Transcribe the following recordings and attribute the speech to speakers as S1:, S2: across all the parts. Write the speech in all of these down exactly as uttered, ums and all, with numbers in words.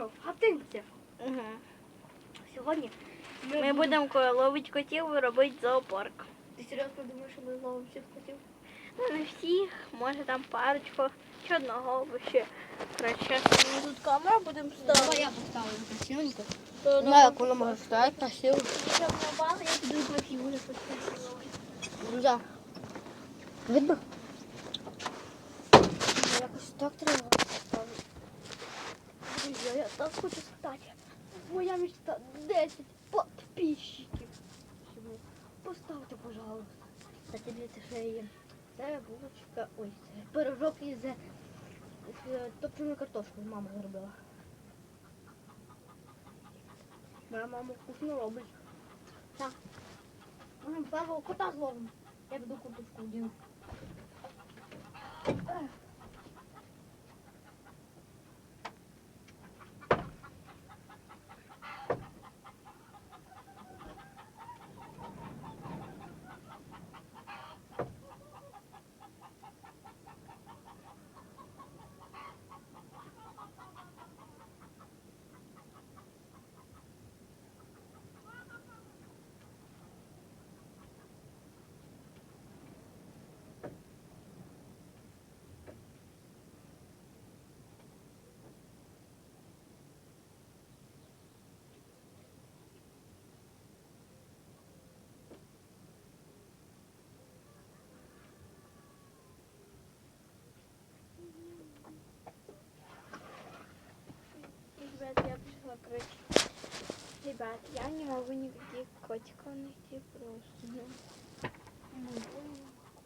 S1: Здоров, гатинці.
S2: Угу.
S1: Сьогодні
S2: Ми, ми будемо будем ловити котів і робити зоопарк.
S1: Ти серйозно думаєш, що ми зловимо всіх котів?
S2: Ну, не всіх, може там парочку, чи одного ще. Коротше, ми тут камеру будемо
S1: Давай
S2: ставити.
S1: я поставлю красивенько.
S2: То
S1: Не знаю, як воно може стояти красиво.
S2: Щоб не бали, я піду котів уже поставила.
S1: Ну да. Видно? Якось так треба ставити.
S2: Друзі, я так хочу стати. Моя мечта десять підписчиків. Поставте, пожалуйста.
S1: Кстати, для це ще є. Це булочка, ой, це пирожок із з топченою картошкою мама зробила. Моя мама вкусно робить. Так. Ми першого кота зловимо. Я піду курточку вдіну.
S2: Ребят, я пришла, короче. Ребят, я не могу никаких котиков найти просто. Ну, не могу.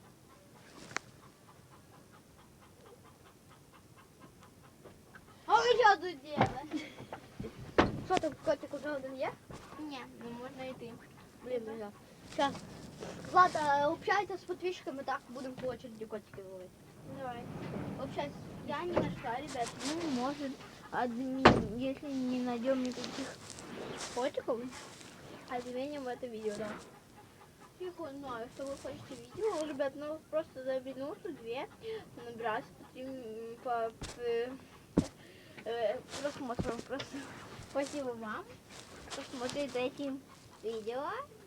S1: А ви що тут делаете? Що там, котик уже один є?
S2: Не, ну можно и ты.
S1: Блин, друзья. Сейчас. Влада, общайся с подписчиками, так будем по очереди котики ловить.
S2: Давай.
S1: Общайся.
S2: Я не нашла, ребят. Ну, может, адми... если не найдем никаких котиков, отменим это видео, да. Я не знаю, что вы хотите видео, ребят, ну просто за минуту, две набирать по, три м, по, п- э, просмотрам просто. Спасибо вам, что смотрите эти видео.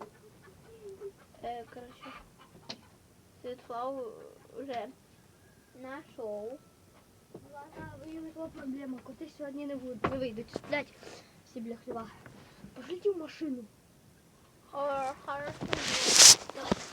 S2: Э, короче, Светлана уже нашел.
S1: Влада, виникла проблема. Коти сьогодні не будуть. Не вийдуть сплять всі біля хліва. Пошліть в машину.
S2: Хорошо.